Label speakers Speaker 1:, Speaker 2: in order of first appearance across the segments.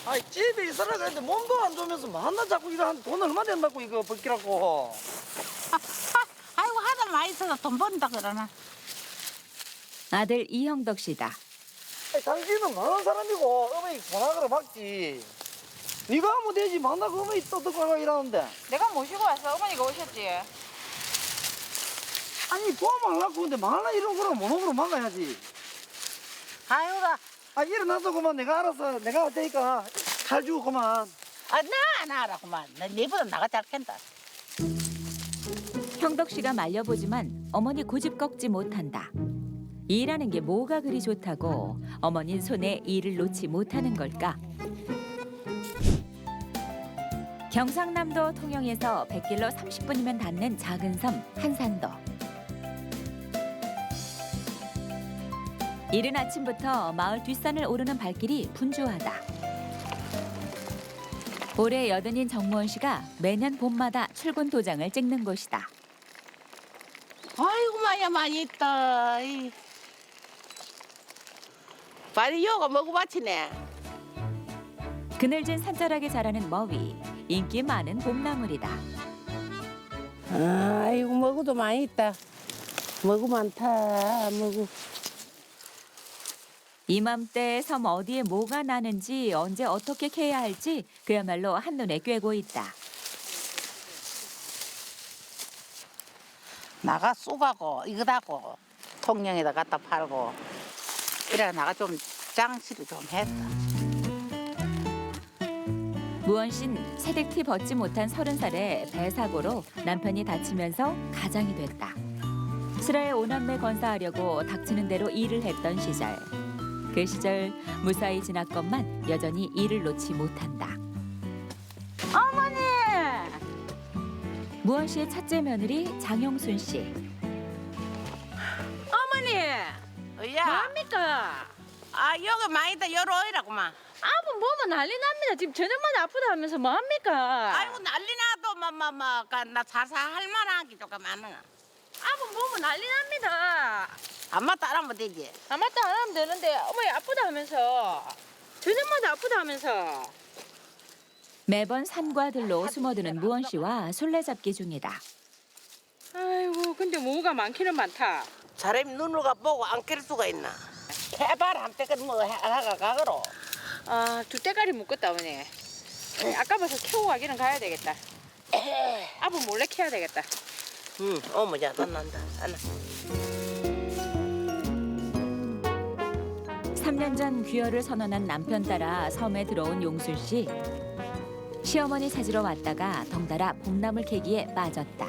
Speaker 1: 아이 집에 있으라 그랬는데 몸도 안 좋으면서 만나 자꾸 이거 한 돈 얼마 된다고 이거 벗기라고.
Speaker 2: 아이고 하다 많이 있어서 돈 번다 그러나.
Speaker 3: 아들 이형덕 씨다.
Speaker 1: 아이, 당신은 많은 사람이고 어머니 전화를 받지. 네가 하면 되지 만나고 어머니 또 듣고 가고 이러는데.
Speaker 2: 내가 모시고 와서 어머니가 오셨지.
Speaker 1: 아니 도와말라고 근데 말라 이런 거랑 모노그로 막아야지.
Speaker 2: 아이고라.
Speaker 1: 아 일어나서 그만 내가 알아서 내가 할 테니까 잘 주고 그만.
Speaker 2: 나 알아구만. 나 니보다 나가 잘 캔다.
Speaker 3: 형덕 씨가 말려보지만 어머니 고집 꺾지 못한다. 일하는 게 뭐가 그리 좋다고 어머닌 손에 일을 놓지 못하는 걸까? 경상남도 통영에서 100길로 30분이면 닿는 작은 섬 한산도. 이른 아침부터 마을 뒷산을 오르는 발길이 분주하다. 올해 80인 정무원 씨가 매년 봄마다 출근 도장을 찍는 곳이다.
Speaker 2: 아이고 마야 많이 있다. 빨리 요가 먹어봤지네.
Speaker 3: 그늘진 산자락에 자라는 머위, 인기 많은 봄나물이다.
Speaker 2: 아이고 먹어도 많이 있다. 먹어 많다. 먹어.
Speaker 3: 이맘때 섬 어디에 뭐가 나는지 언제 어떻게 캐야 할지 그야말로 한눈에 꿰고 있다.
Speaker 2: 나가 쑥하고 이거다고 통영에다 갖다 팔고 이래 나가 좀 장치를 좀 했다.
Speaker 3: 무원 씨는 새댁티 벗지 못한 30살에 배 사고로 남편이 다치면서 가장이 됐다. 슬하에 오남매 건사하려고 닥치는 대로 일을 했던 시절. 그 시절 무사히 지났건만 여전히 일을 놓지 못한다.
Speaker 2: 어머니!
Speaker 3: 무원 씨의 첫째 며느리 장영순 씨.
Speaker 4: 어머니,
Speaker 2: 야,
Speaker 4: 뭐합니까?
Speaker 2: 여기 많이 있다. 여러 오이라구만.
Speaker 4: 아무 몸은 난리 납니다. 지금 저녁마다 아프다 하면서 뭐합니까?
Speaker 2: 아이고 난리 나도 나 자살 할 만한 게 조금 많아.
Speaker 4: 아무 몸은 난리 납니다.
Speaker 2: 안마 따라하면 되지.
Speaker 4: 아 맞다 안 하면 되는데 어머니 아프다 하면서 저녁마다 아프다 하면서
Speaker 3: 매번 산과들로 숨어드는 무원 씨와 술래잡기 중이다.
Speaker 4: 아이고 근데 뭐가 많기는 많다.
Speaker 2: 사람이 눈을 보고 안 깰 수가 있나? 해발 한 때까지 뭐 하가 가거로.
Speaker 4: 아 두 대가리 묶었다 어머니. 아까 봐서 캐고 가기는 가야 되겠다. 아부 몰래 캐야 되겠다.
Speaker 2: 응, 어머니야 난다.
Speaker 3: 3년 전 귀화를 선언한 남편 따라 섬에 들어온 용순 씨. 시어머니 찾으러 왔다가 덩달아 봄나물 캐기에 빠졌다.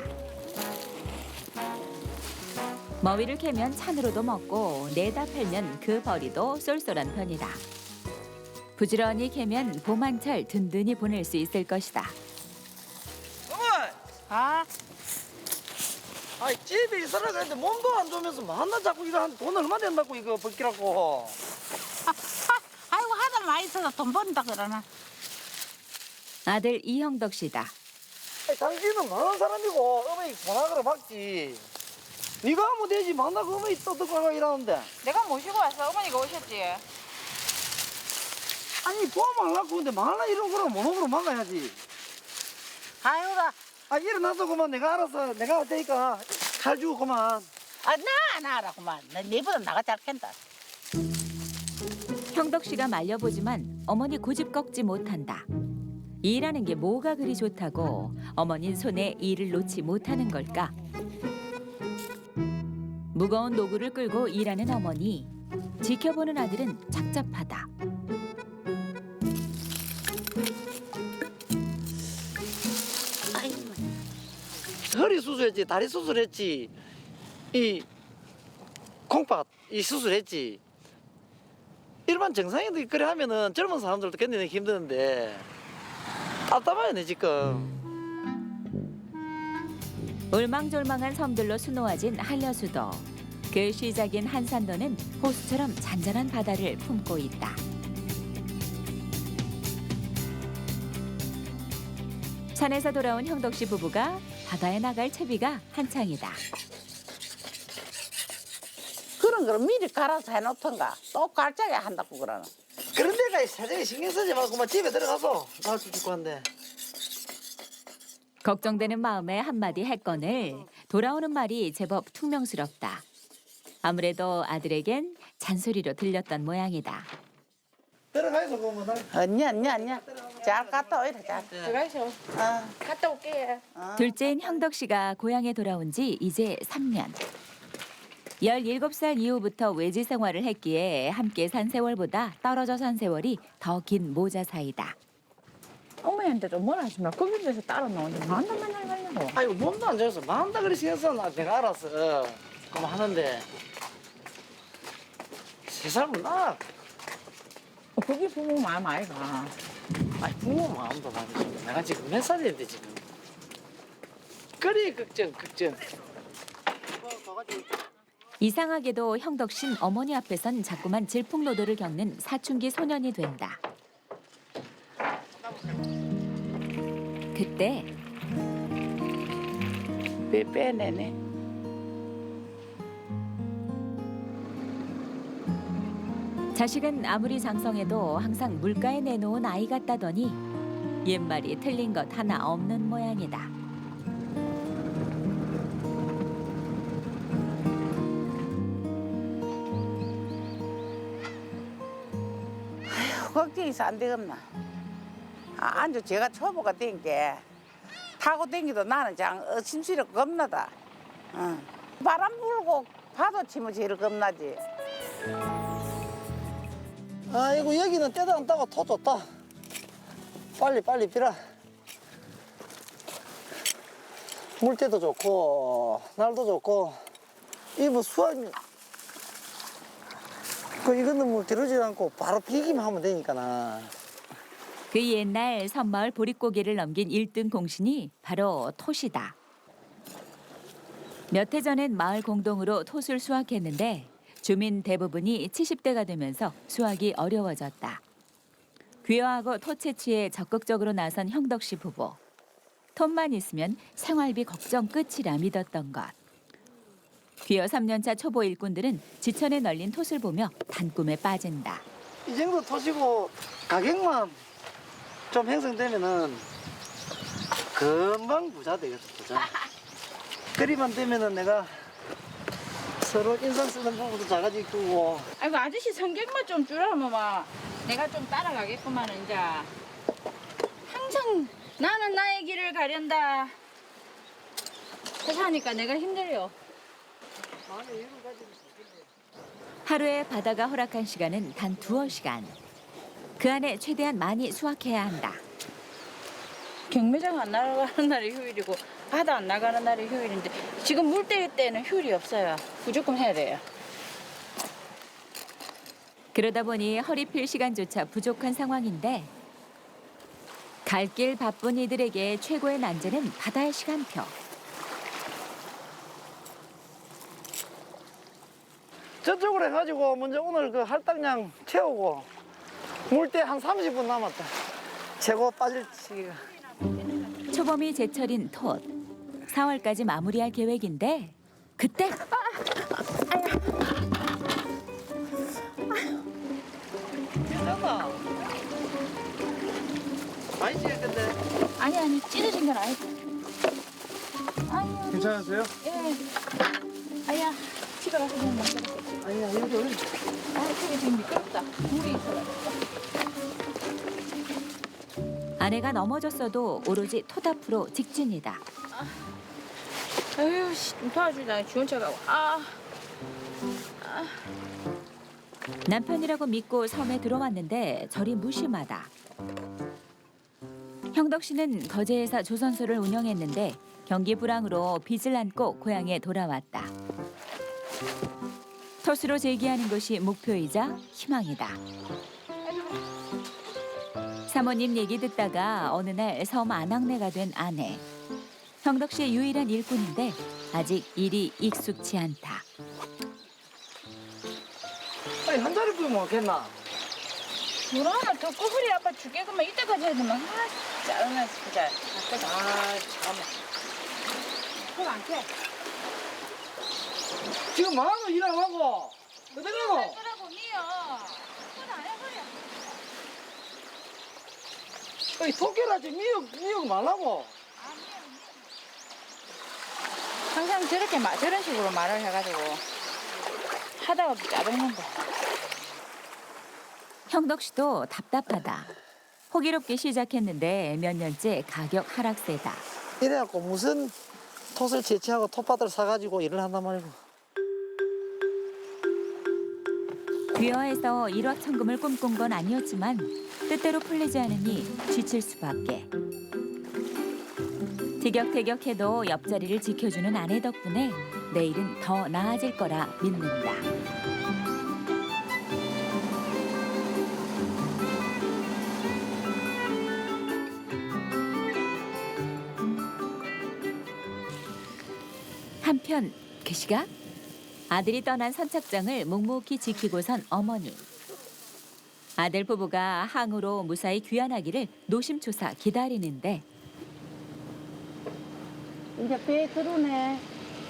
Speaker 3: 머위를 캐면 찬으로도 먹고 내다 팔면 그 벌이도 쏠쏠한 편이다. 부지런히 캐면 봄 한철 든든히 보낼 수 있을 것이다.
Speaker 1: 어머니.
Speaker 2: 아,
Speaker 1: 아이 집에 있으라 그랬는데 몸도 안 좋으면서 만나 자꾸 이거 한 돈 얼마 된다고 이거 벗기라고.
Speaker 2: 아이고 하다 많이 있어서 돈 번다 그러나.
Speaker 3: 아들 이형덕 씨다.
Speaker 1: 아이, 당신은 많은 사람이고 어머니 전화를 받지. 네가 하면 되지 만나고 어머니 또 듣고 가고 이러는데.
Speaker 4: 내가 모시고 와서 어머니가 오셨지.
Speaker 1: 아니 도와말라고 근데 말라 이런 거랑 모노그로 막아야지.
Speaker 2: 아이고라.
Speaker 1: 아 일어나서 그만 내가 알아서 내가 할 테니까 잘 주고 그만.
Speaker 2: 나 알아구만. 나 니보다 나가 잘 캔다.
Speaker 3: 형덕 씨가 말려보지만 어머니 고집 꺾지 못한다. 일하는 게 뭐가 그리 좋다고 어머닌 손에 일을 놓지 못하는 걸까? 무거운 노구를 끌고 일하는 어머니. 지켜보는 아들은 착잡하다.
Speaker 2: 아이고.
Speaker 1: 허리 수술했지 다리 수술했지 이 콩팥 이 수술했지. 일반 정상인들이 그래 하면은 젊은 사람들도 견디기 힘드는데 답답하네 지금.
Speaker 3: 울망졸망한 섬들로 수놓아진 한려수도. 그 시작인 한산도는 호수처럼 잔잔한 바다를 품고 있다. 산에서 돌아온 형덕 씨 부부가 바다에 나갈 채비가 한창이다.
Speaker 2: 그런 걸 미리 갈아서 해놓던가 또 갈짝에 한다고 그러나.
Speaker 1: 그런 데가 사정에 신경 쓰지 말고 막 집에 들어가서 나도 죽고 한데.
Speaker 3: 걱정되는 마음에 한마디 했거늘 돌아오는 말이 제법 퉁명스럽다. 아무래도 아들에겐 잔소리로 들렸던 모양이다.
Speaker 1: 들어가서 보면 날.
Speaker 2: 언니야. 잘 갔다 오이라, 잘.
Speaker 4: 들어가셔. 갔다 올게.
Speaker 3: 둘째인 형덕 씨가 고향에 돌아온 지 이제 3년. 17살 이후부터 외지 생활을 했기에 함께 산 세월보다 떨어져 산 세월이 더 긴 모자 사이다.
Speaker 4: 어머니한테 좀 뭐라 하지 마. 거기 데서 따라 나오지. 만나 맨날 가려고.
Speaker 1: 아이고 몸도 안 좋아서 만다 그리 신경 나 내가 알아서 그럼 하는데 세 살은 나.
Speaker 4: 거기 부모 마음 아이가.
Speaker 1: 아니 부모 마음도 많이 줘. 내가 지금 몇 살인데 지금. 그리 걱정.
Speaker 3: 이상하게도 형덕 씨는 어머니 앞에선 자꾸만 질풍노도를 겪는 사춘기 소년이 된다. 그때
Speaker 2: 빼내네.
Speaker 3: 자식은 아무리 장성해도 항상 물가에 내놓은 아이 같다더니 옛말이 틀린 것 하나 없는 모양이다.
Speaker 2: 걱정이서 안 되겠나. 안주 제가 초보가 된 게 타고 댕기도 나는 장 심술이 겁나다. 바람 불고 파도 치면 제일 겁나지.
Speaker 1: 아이고 여기는 때도 안 따고 토 좋다. 빨리 비라. 물때도 좋고 날도 좋고 이 뭐 수확 이거는 뭐 기르지 않고 바로 비기만 하면 되니까나.
Speaker 3: 그 옛날 섬마을 보릿고개를 넘긴 1등 공신이 바로 톳이다. 몇 해 전엔 마을 공동으로 톳을 수확했는데 주민 대부분이 70대가 되면서 수확이 어려워졌다. 귀화하고 톳 채취에 적극적으로 나선 형덕 씨 부부. 톳만 있으면 생활비 걱정 끝이라 믿었던 것. 귀화 3년차 초보 일꾼들은 지천에 널린 톳을 보며 단꿈에 빠진다.
Speaker 1: 이 정도 토시고 가격만 좀 형성되면은 금방 부자 되겠어, 부자. 그리만 되면은 내가 서로 인상 쓰는 부분도 작아질 거고.
Speaker 4: 아이고 아저씨 성격만 좀 줄여면 막 내가 좀 따라가겠구만 이제. 항상 나는 나의 길을 가련다. 그렇게 하니까 내가 힘들요.
Speaker 3: 하루에 바다가 허락한 시간은 단 2시간. 그 안에 최대한 많이 수확해야 한다.
Speaker 4: 경매장 안 나가는 날이 휴일이고 바다 안 나가는 날이 휴일인데 지금 물때일 때는 휴일이 없어요. 무조건 해야 돼요.
Speaker 3: 그러다 보니 허리 필 시간조차 부족한 상황인데 갈 길 바쁜 이들에게 최고의 난제는 바다의 시간표.
Speaker 1: 저쪽으로 해가지고 먼저 오늘 그 할당량 채우고 물때 한 30분 남았다. 최고 빠질 시기가.
Speaker 3: 초범이 제철인 톳. 4월까지 마무리할 계획인데 그때
Speaker 1: 괜찮아. 많이 찌겠는데.
Speaker 4: 아니 찢어진 건 아니고. 아유
Speaker 1: 괜찮으세요?
Speaker 4: 예. 아야 집에 가서 좀 먹자.
Speaker 1: 아니야 여기 올려.
Speaker 4: 아 저기 지금 미끄럽다. 물이 있어가지고.
Speaker 3: 아내가 넘어졌어도 오로지 톳 앞으로 직진이다.
Speaker 4: 아유 씨 도와주자 주원차 가고.
Speaker 3: 남편이라고 믿고 섬에 들어왔는데 저리 무심하다. 형덕 씨는 거제에서 조선소를 운영했는데 경기 불황으로 빚을 안고 고향에 돌아왔다. 톳으로 재기하는 것이 목표이자 희망이다. 사모님 얘기 듣다가 어느 날 섬 안악내가 된 아내. 형덕 씨의 유일한 일꾼인데 아직 일이 익숙치 않다.
Speaker 1: 아니 한 자리 뿌리면 없겠나?
Speaker 4: 물 하나 더 꼬부리 아빠 죽겠구만 이때까지 해야 되면 짜증나 진짜.
Speaker 1: 참.
Speaker 4: 손안 켜.
Speaker 1: 지금 뭐하노 일 안 하고? 어디 가노?
Speaker 4: 그러고 니요. 손안 해버려.
Speaker 1: 토끼라지 미역 말라고.
Speaker 4: 항상 저런 식으로 말을 해가지고 하다가 짜증난다.
Speaker 3: 형덕 씨도 답답하다. 호기롭게 시작했는데 몇 년째 가격 하락세다.
Speaker 1: 이래갖고 무슨 톳을 채취하고 톳밭을 사가지고 일을 한단 말이고.
Speaker 3: 귀화해서 일확천금을 꿈꾼 건 아니었지만 뜻대로 풀리지 않으니 지칠 수밖에. 티격태격해도 옆자리를 지켜주는 아내 덕분에 내일은 더 나아질 거라 믿는다. 한편 그 시각 아들이 떠난 선착장을 묵묵히 지키고선 어머니. 아들 부부가 항으로 무사히 귀환하기를 노심초사 기다리는데
Speaker 2: 이제 배 들어오네.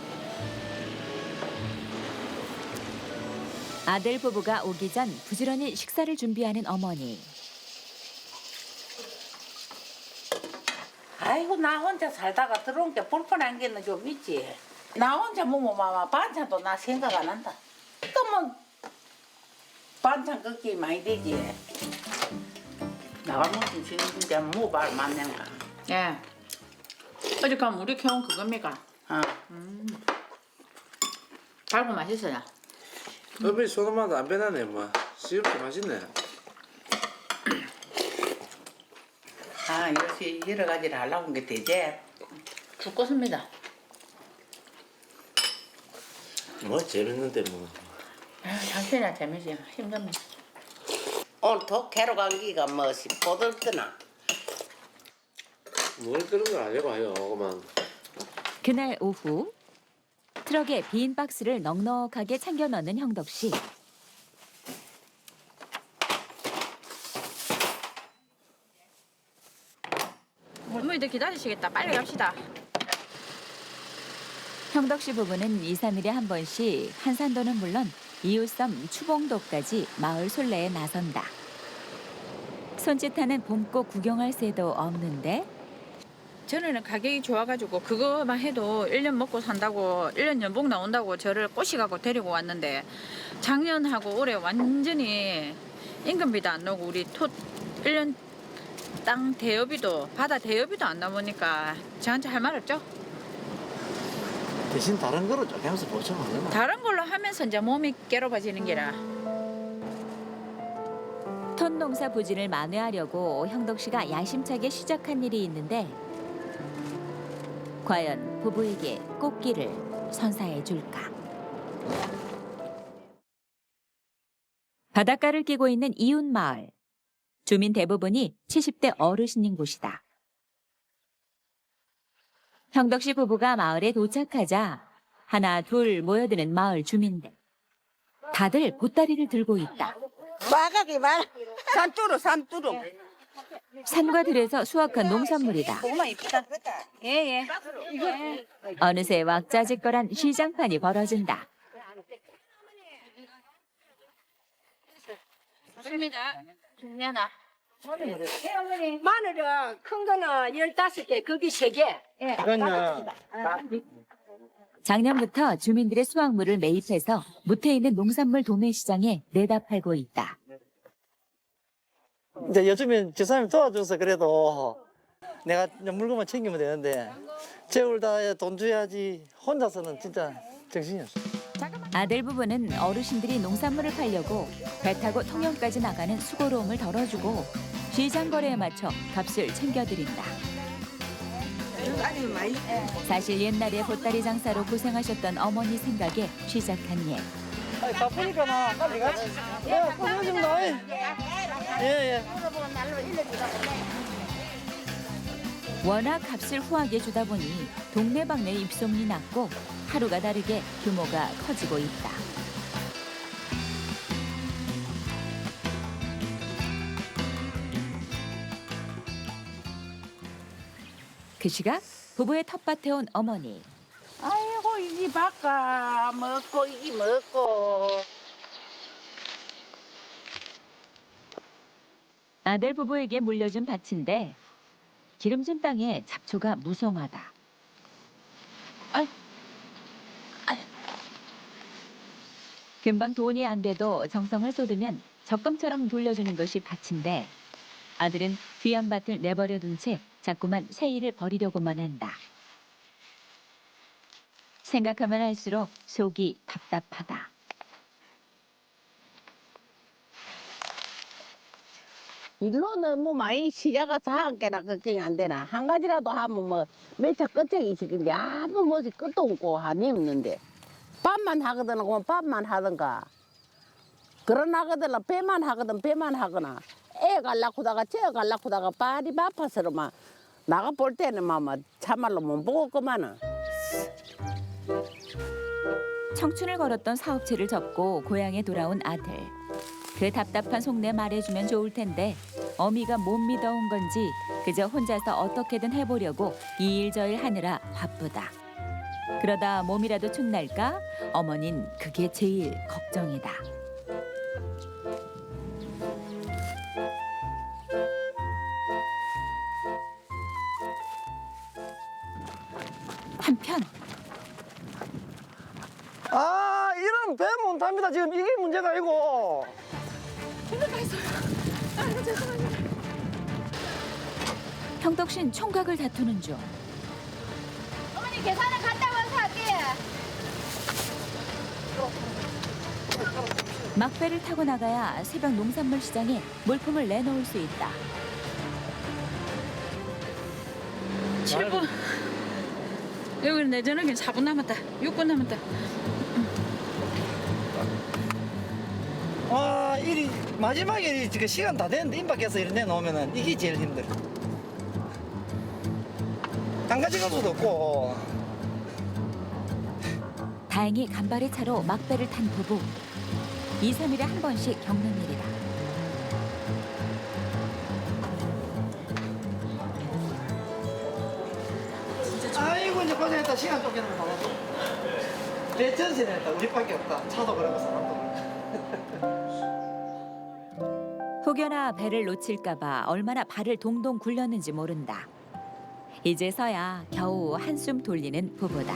Speaker 3: 아들 부부가 오기 전 부지런히 식사를 준비하는 어머니.
Speaker 2: 아이고 나 혼자 살다가 들어온 게 불편한 게는 좀 있지. 나 혼자 먹으면 반찬도 나 생각 안 한다. 또 뭐 반찬 걷기 많이 되지. 나가 먹기 싫은데 뭐말 맞는가.
Speaker 4: 예. 어제 가면 우리 캐온 그겁니까?
Speaker 2: 어.
Speaker 4: 달고 맛있어요.
Speaker 5: 어머니 소금맛 안 변하네 뭐 시럽도 맛있네.
Speaker 2: 아 역시 여러 가지를 하려고 한 게 되지.
Speaker 4: 죽겠습니다.
Speaker 5: 뭐 재밌는데 뭐.
Speaker 4: 당신이나 재미지. 힘듭니다.
Speaker 6: 오늘 독해로 감기가 뭐시 보들더나.
Speaker 5: 뭘 그런 거 아니고 해요 그만.
Speaker 3: 그날 오후 트럭에 빈 박스를 넉넉하게 챙겨 넣는 형덕 씨.
Speaker 4: 어머니들 기다리시겠다. 빨리 갑시다.
Speaker 3: 형덕 씨 부부는 2, 3일에 한 번씩 한산도는 물론 이웃섬 추봉도까지 마을 순례에 나선다. 손짓하는 봄꽃 구경할 새도 없는데
Speaker 4: 전에는 가격이 좋아가지고 그거만 해도 1년 먹고 산다고 1년 연봉 나온다고 저를 꼬시가고 데리고 왔는데 작년하고 올해 완전히 임금비도 안 나오고 우리 톳 1년 땅 대여비도 바다 대여비도 안 나오니까 저한테 할 말 없죠?
Speaker 1: 대신 다른 거로 좀 하면서 보충하면 되나?
Speaker 4: 다른 걸로 하면서 이제 몸이 괴로워지는 게라.
Speaker 3: 톳 농사 부진을 만회하려고 형덕 씨가 야심차게 시작한 일이 있는데 과연 부부에게 꽃길을 선사해 줄까? 바닷가를 끼고 있는 이웃 마을. 주민 대부분이 70대 어르신인 곳이다. 형덕 씨 부부가 마을에 도착하자 하나 둘 모여드는 마을 주민들. 다들 보따리를 들고 있다.
Speaker 6: 빠가기 말. 산뚜루.
Speaker 3: 산과 들에서 수확한 농산물이다.
Speaker 6: 고구마 이쁘다.
Speaker 4: 예예.
Speaker 3: 어느새 왁자지껄한 시장판이 벌어진다.
Speaker 4: 좋습니다. 준비하나.
Speaker 7: 마늘은 큰 거는 15개, 거기 3개.
Speaker 1: 그러니까
Speaker 3: 작년부터 주민들의 수확물을 매입해서 무태 있는 농산물 도매 시장에 내다 팔고 있다.
Speaker 1: 이제 요즘엔 저 사람이 도와줘서 그래도 내가 물건만 챙기면 되는데 재울 다 돈 줘야지 혼자서는 진짜 정신이 없어.
Speaker 3: 아들 부부는 어르신들이 농산물을 팔려고 배 타고 통영까지 나가는 수고로움을 덜어주고 시장 거래에 맞춰 값을 챙겨드린다. 사실 옛날에 보따리 장사로 고생하셨던 어머니 생각에 시작한 일.
Speaker 1: 아니, 바쁘니까 나 빨리 가지. 야, 고생 좀 나. 예.
Speaker 3: 워낙 값을 후하게 주다 보니 동네방네 입소문이 났고 하루가 다르게 규모가 커지고 있다. 그 시각 부부의 텃밭에 온 어머니.
Speaker 2: 아이고 이기 바까 먹고 이기 먹고.
Speaker 3: 아들 부부에게 물려준 밭인데 기름진 땅에 잡초가 무성하다. 금방 돈이 안 돼도 정성을 쏟으면 적금처럼 돌려주는 것이 밭인데 아들은 귀한 밭을 내버려둔 채 자꾸만 새 일을 벌이려고만 한다. 생각하면 할수록 속이 답답하다.
Speaker 6: 일로는 뭐 많이 시작가 다한 개나 걱정이 안 되나. 한 가지라도 하면 뭐 매차 끝장이 있을 건데 아무 뭐지 끝도 없고 한이 없는데. 밥만 하거든 그러면 밥만 하든가. 그러나거든 배만 하거든 배만 하거나. 애 갈라쿠다가 쟤 갈라쿠다가 발이 바빠서 막 나가 볼 때는 막 참말로 못 보고 그만은.
Speaker 3: 청춘을 걸었던 사업체를 접고 고향에 돌아온 아들. 그 답답한 속내 말해주면 좋을 텐데 어미가 못 믿어온 건지 그저 혼자서 어떻게든 해보려고 이 일 저 일 하느라 바쁘다. 그러다 몸이라도 축날까? 어머닌 그게 제일 걱정이다. 한편
Speaker 1: 아, 이런 배 못합니다. 지금 이게 문제가 아니고.
Speaker 3: 형덕신 총각을 다투는 중.
Speaker 7: 어머니 계산은 갔다 와서 할게요.
Speaker 3: 막배를 타고 나가야 새벽 농산물 시장에 물품을 내놓을 수 있다.
Speaker 4: 7분. 여기 내전하기 4분 남았다. 6분 남았다.
Speaker 1: 와, 일이 마지막에 지금 시간 다 됐는데 임박해서 이런 데 놓으면은 이게 제일 힘들어. 한 가지 가서도 없고.
Speaker 3: 다행히 간발의 차로 막배를 탄 부부. 2, 3일에 한 번씩 겪는 일이다.
Speaker 1: 아이고 이제 고생했다. 시간 쫓기는 거 봐가지고. 내 전신했다. 우리밖에 없다. 차도 그러고 사람도 그러고.
Speaker 3: 혹여나 배를 놓칠까봐 얼마나 발을 동동 굴렸는지 모른다. 이제서야 겨우 한숨 돌리는 부부다.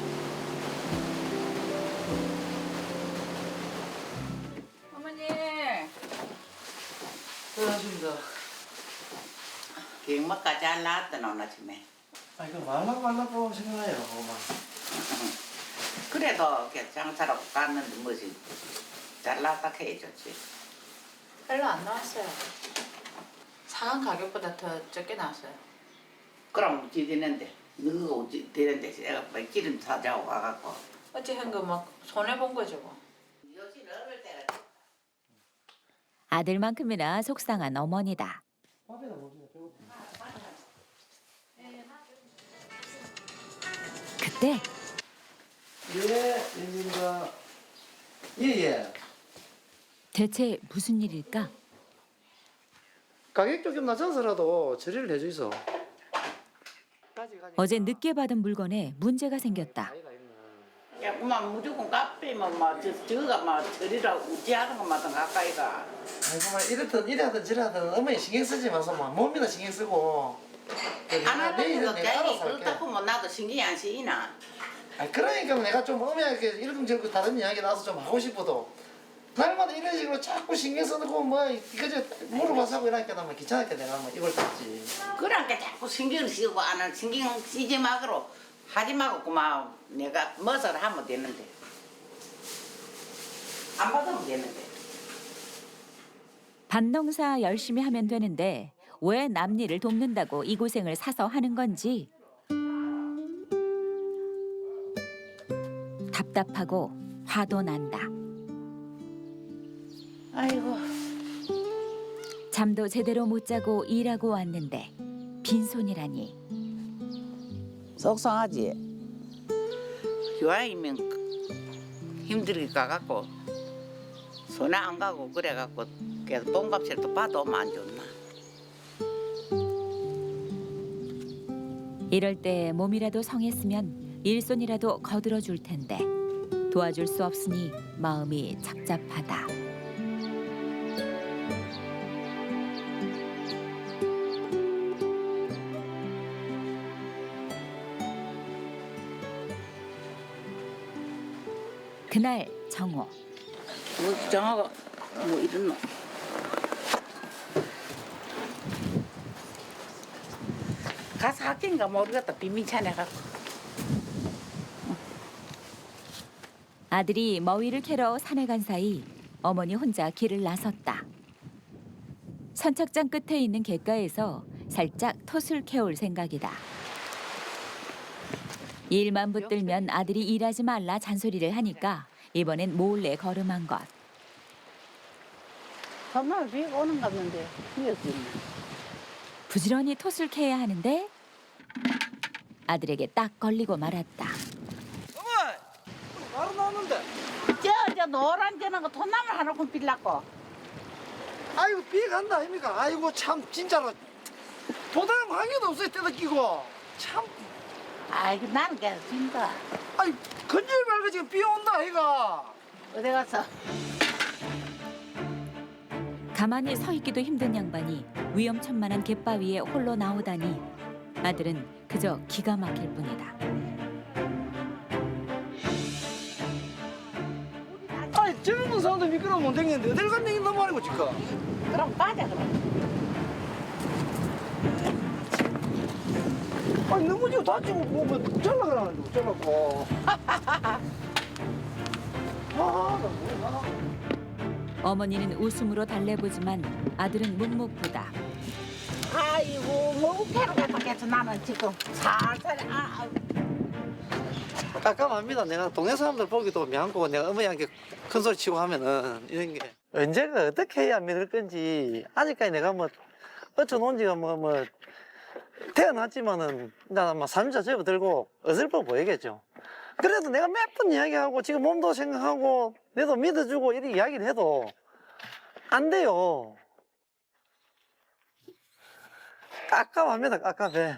Speaker 4: 어머니.
Speaker 1: 고생하십니다.
Speaker 2: 경마가 잘 나왔더나 오늘 아침에.
Speaker 1: 아, 이거 말라고 생각해요, 엄마.
Speaker 2: 그래도 장사라고 갔는데 뭐지 잘 나왔다 해줬지.
Speaker 4: 별로 안 나왔어요. 상한 가격보다 더 적게 나왔어요.
Speaker 2: 그럼 어찌 되는데 너가 어찌 되는데 내가 막 기름 사자고 가갖고.
Speaker 4: 어찌 한거 막 손해 본 거죠 뭐.
Speaker 2: 요즘 어릴 때가
Speaker 3: 아들만큼이나 속상한 어머니다.
Speaker 1: 밥에다 먹으면 배고프네.
Speaker 3: 그때
Speaker 1: 예, 연진이가. 예, 예.
Speaker 3: 대체 무슨 일일까?
Speaker 1: 가격 조금 낮춰서라도 처리를 해주이소.
Speaker 3: 어제 늦게 받은 물건에 문제가 생겼다.
Speaker 2: 야 그만 무조건 카페면 막 저가 막 저리라고 우지하는 것마다 가까이가.
Speaker 1: 아이고, 막 이랬든 이래든 저래든 어머니 신경 쓰지 마서 막 몸이나 신경 쓰고.
Speaker 2: 안 하는 것도
Speaker 1: 내가 알아서
Speaker 2: 괜히
Speaker 1: 할게.
Speaker 2: 그렇다 보면 나도 신경이 안 쓰이나.
Speaker 1: 아, 그러니까 내가 좀 어머니한테 이러쿵저러쿵 다른 이야기 나와서 좀 하고 싶어도 날마다 이런 식으로 자꾸 신경 쓰고 뭐 이거저 물어봐서 하고 이러니까 나뭐 귀찮게 내가 뭐 이걸 땄지.
Speaker 2: 그러니까 자꾸 신경을 쓰고 안 하는 신경 쓰지 마그로 하지 말고 그만 내가 멋을 하면 되는데 안 받으면 되는데.
Speaker 3: 밭농사 열심히 하면 되는데 왜 남일을 돕는다고 이 고생을 사서 하는 건지. 답답하고 화도 난다.
Speaker 2: 아이고.
Speaker 3: 잠도 제대로 못 자고 일하고 왔는데 빈손이라니.
Speaker 2: 속상하지. 교환이면 힘들게 가갖고 손에 안 가고 그래갖고 그래서 몸값이라도 받아오면 안 좋나.
Speaker 3: 이럴 때 몸이라도 성했으면 일손이라도 거들어 줄 텐데 도와줄 수 없으니 마음이 착잡하다. 그날 정오.
Speaker 2: 뭐 정하고 뭐 이런 놈. 가서 학교인가 모르겠다. 빈민찬에 가고.
Speaker 3: 아들이 머위를 캐러 산에 간 사이 어머니 혼자 길을 나섰다. 선착장 끝에 있는 갯가에서 살짝 톳을 캐올 생각이다. 일만 붙들면 아들이 일하지 말라 잔소리를 하니까 이번엔 몰래 걸음한 것.
Speaker 6: 정말 비가 오는 것 같는데 비었겠네.
Speaker 3: 부지런히 톳을 캐야 하는데 아들에게 딱 걸리고 말았다.
Speaker 1: 바로 나오는데.
Speaker 6: 저 노란 저는 거 돈나물 하나 빌라고.
Speaker 1: 아이고 비 간다 아닙니까? 아이고 참 진짜로 도당 관계도 없어요 때도 끼고 참.
Speaker 6: 아이고 나는 괜찮다.
Speaker 1: 아이 건질 말고 지금 비 온다 아이가.
Speaker 6: 어디 가서
Speaker 3: 가만히 서 있기도 힘든 양반이 위험천만한 갯바위에 홀로 나오다니 아들은 그저 기가 막힐 뿐이다.
Speaker 1: 아니 젊은 사람도 미끄러우면 못 되겠는데 어딜 간다니 너무 아니고 지금.
Speaker 6: 그럼 빠져 그럼.
Speaker 1: 아니 넘어지고 다치고 뭐 잘라가라는데 잘라고. 나 뭐야.
Speaker 3: 어머니는 웃음으로 달래보지만 아들은 묵묵부다.
Speaker 6: 아이고 뭐 우패로 가서 나는 지금 살살
Speaker 1: 깜깜합니다. 내가 동네 사람들 보기도 미안하고 내가 어머니한테 큰 소리 치고 하면은 이런 게 언제가 어떻게 해야 믿을 건지 아직까지 내가 뭐 어쩌놓은 지가 뭐 태어났지만은 나는 막 3자 접어들고 어설퍼 보이겠죠. 그래도 내가 몇 번 이야기하고 지금 몸도 생각하고 내도 믿어주고 이렇게 이야기를 해도 안 돼요. 깝깝합니다. 깝깝해.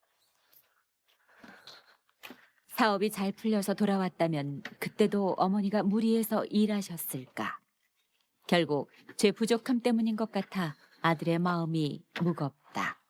Speaker 3: 사업이 잘 풀려서 돌아왔다면 그때도 어머니가 무리해서 일하셨을까. 결국 죄 부족함 때문인 것 같아 아들의 마음이 무겁다.